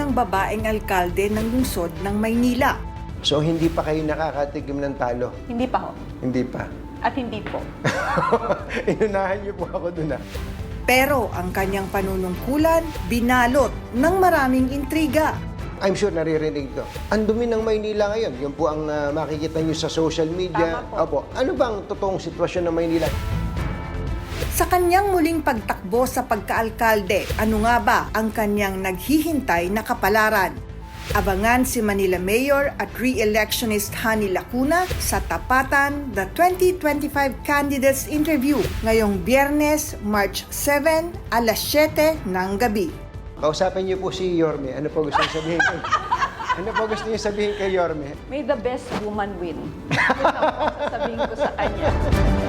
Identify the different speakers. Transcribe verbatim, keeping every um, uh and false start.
Speaker 1: unang babaeng alkalde ng lungsod ng Maynila.
Speaker 2: So, hindi pa kayo nakakatigim ng talo?
Speaker 3: Hindi pa ho.
Speaker 2: Hindi pa.
Speaker 3: At hindi po.
Speaker 2: Inunahan niyo po ako dun ah.
Speaker 1: Pero ang kanyang panunungkulan, binalot ng maraming intriga.
Speaker 2: I'm sure naririnig to. Ang dumi ng Maynila ngayon. Yun po ang uh, makikita niyo sa social media.
Speaker 3: Tama po.
Speaker 2: Opo. Ano bang totoong sitwasyon ng Maynila?
Speaker 1: Sa kanyang muling pagtakbo sa pagkaalkalde, ano nga ba ang kanyang naghihintay na kapalaran? Abangan si Manila Mayor at re-electionist Hani Lacuna sa Tapatan, the twenty twenty-five Candidates Interview ngayong Biyernes, March seven, alas siyete ng gabi.
Speaker 2: Kausapin niyo po si Yorme. Ano po gusto niyo sabihin kay... ano po gusto niyo sabihin kay Yorme?
Speaker 3: May the best woman win. Yun lang po sasabihin ko sa kanya.